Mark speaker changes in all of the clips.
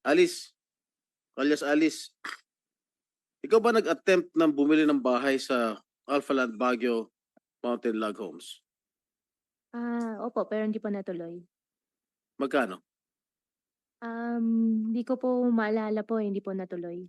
Speaker 1: Alice, alias Alice, ikaw ba nag-attempt ng bumili ng bahay sa Alphaland Baguio Mountain Log Homes?
Speaker 2: Opo, pero hindi po natuloy.
Speaker 1: Magkano?
Speaker 2: Hindi ko po maalala po, hindi po natuloy.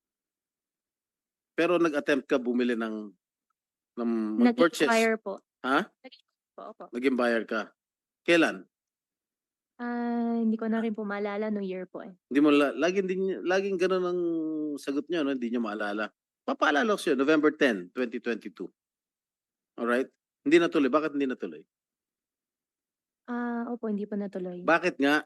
Speaker 1: Pero nag-attempt ka bumili ng mag-purchase.
Speaker 2: Nag-inquire po.
Speaker 1: Ha?
Speaker 2: Nag-inquire po, opo.
Speaker 1: Naging buyer ka. Kailan?
Speaker 2: Hindi ko na rin po maalala nung year po eh.
Speaker 1: Hindi mo laging ganun ang sagot niyo, no? Hindi niyo maalala. Papaalala ko sa'yo, November 10, 2022. Alright? Hindi natuloy. Bakit hindi natuloy?
Speaker 2: Opo, hindi po natuloy.
Speaker 1: Bakit nga?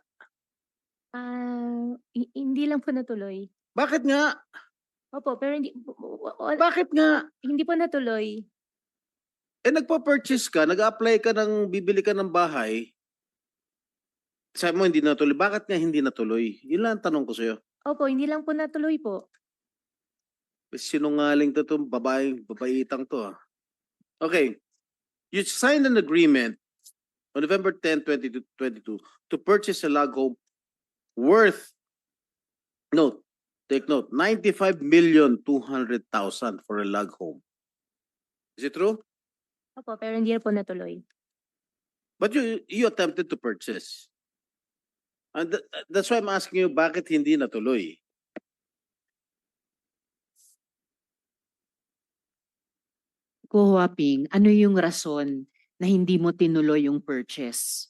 Speaker 2: Hindi lang po natuloy.
Speaker 1: Bakit nga?
Speaker 2: Opo, pero
Speaker 1: Bakit nga?
Speaker 2: hindi po natuloy.
Speaker 1: Nagpa-purchase ka, nag-apply ka bibili ka ng bahay, sabi mo hindi natuloy. Bakit nga hindi natuloy? Yun lang ang tanong ko sa'yo.
Speaker 2: Opo, hindi lang po natuloy po.
Speaker 1: Sinungaling to itong babaitang to. Okay. You signed an agreement on November 10, 2022 to purchase a log home worth, take note, 95,200,000 for a log home. Is it true?
Speaker 2: Opo, pero hindi po natuloy.
Speaker 1: But you attempted to purchase. And that's why I'm asking you, bakit hindi natuloy?
Speaker 3: Ko Huaping, ano yung rason na hindi mo tinuloy yung purchase?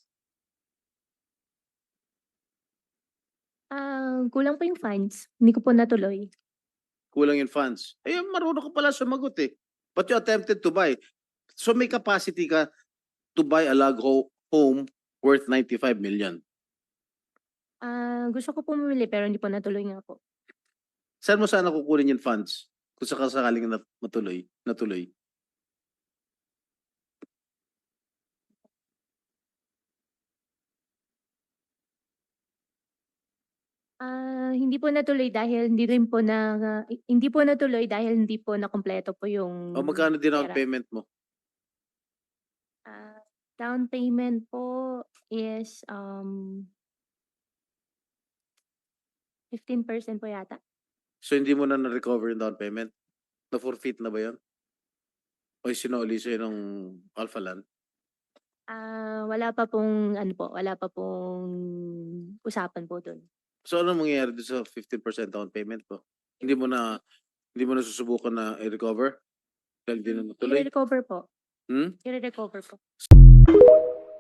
Speaker 2: Kulang po yung funds. Hindi ko po natuloy.
Speaker 1: Kulang yung funds. Marunong ka pala sumagot eh. But you attempted to buy. So may capacity ka to buy a log home worth 95 million.
Speaker 2: Gusto ko pumili pero hindi po natuloy nga po.
Speaker 1: Saan mo sana kukunin yung funds? Kung sakaling natuloy.
Speaker 2: Hindi po natuloy dahil hindi po natuloy dahil hindi po nakumpleto po yung
Speaker 1: O magkano din ang
Speaker 2: pera.
Speaker 1: payment mo?
Speaker 2: Down payment po is 15% po yata.
Speaker 1: So hindi mo na na-recover yung down payment? Na-forfeit na ba yun? O sinuli sa'yo ng Alphaland?
Speaker 2: Wala pa pong usapan po dun.
Speaker 1: So ano mangyayari doon sa 15% down payment mo? Hindi mo na susubukan na i-recover? Dahil di na natuloy?
Speaker 2: I-recover po.
Speaker 1: Hmm?
Speaker 2: I-recover po.